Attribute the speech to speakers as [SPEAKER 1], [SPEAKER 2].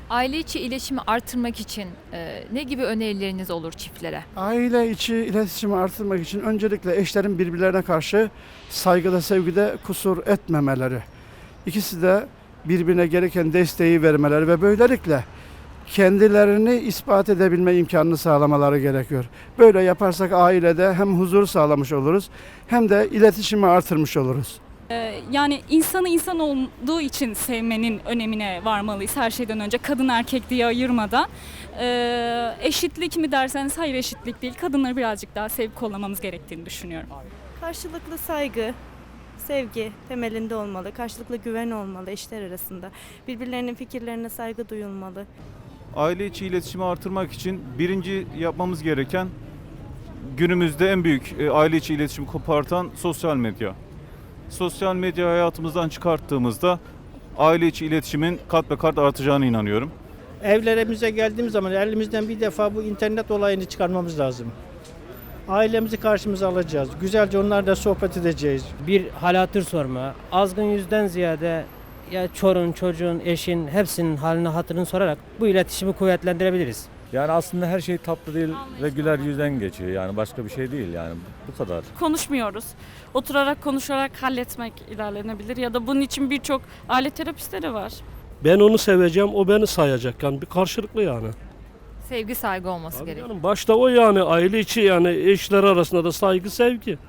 [SPEAKER 1] Aile içi iletişimi artırmak için ne gibi önerileriniz olur çiftlere?
[SPEAKER 2] Aile içi iletişimi artırmak için öncelikle eşlerin birbirlerine karşı saygıda, sevgide kusur etmemeleri. İkisi de birbirine gereken desteği vermeleri ve böylelikle kendilerini ispat edebilme imkanını sağlamaları gerekiyor. Böyle yaparsak ailede hem huzur sağlamış oluruz hem de iletişimi artırmış oluruz.
[SPEAKER 3] Yani insanı insan olduğu için sevmenin önemine varmalıyız her şeyden önce. Kadın erkek diye ayırmadan. Eşitlik mi derseniz hayır, eşitlik değil. Kadınları birazcık daha sevip kollamamız gerektiğini düşünüyorum.
[SPEAKER 4] Karşılıklı saygı, sevgi temelinde olmalı. Karşılıklı güven olmalı eşler arasında. Birbirlerinin fikirlerine saygı duyulmalı.
[SPEAKER 5] Aile içi iletişimi artırmak için birinci yapmamız gereken, günümüzde en büyük aile içi iletişimi kopartan sosyal medya. Sosyal medya hayatımızdan çıkarttığımızda aile içi iletişimin kat be kat artacağına inanıyorum.
[SPEAKER 6] Evlerimize geldiğimiz zaman elimizden bir defa bu internet olayını çıkarmamız lazım. Ailemizi karşımıza alacağız. Güzelce onlarla sohbet edeceğiz.
[SPEAKER 7] Bir hal hatır sorma, azgın yüzden ziyade ya çorun, çocuğun, eşin hepsinin halini hatırını sorarak bu iletişimi kuvvetlendirebiliriz.
[SPEAKER 8] Yani aslında her şey tatlı değil ve güler yüzden geçiyor. Yani başka bir şey değil yani bu kadar.
[SPEAKER 9] Konuşmuyoruz. Oturarak konuşarak halletmek ilerlenebilir ya da bunun için birçok aile terapistleri var.
[SPEAKER 10] Ben onu seveceğim, o beni sayacak. Yani bir karşılıklı yani.
[SPEAKER 1] Sevgi, saygı olması
[SPEAKER 10] Tabii
[SPEAKER 1] gerekiyor.
[SPEAKER 10] canım, başta o yani aile içi yani eşler arasında da saygı, sevgi.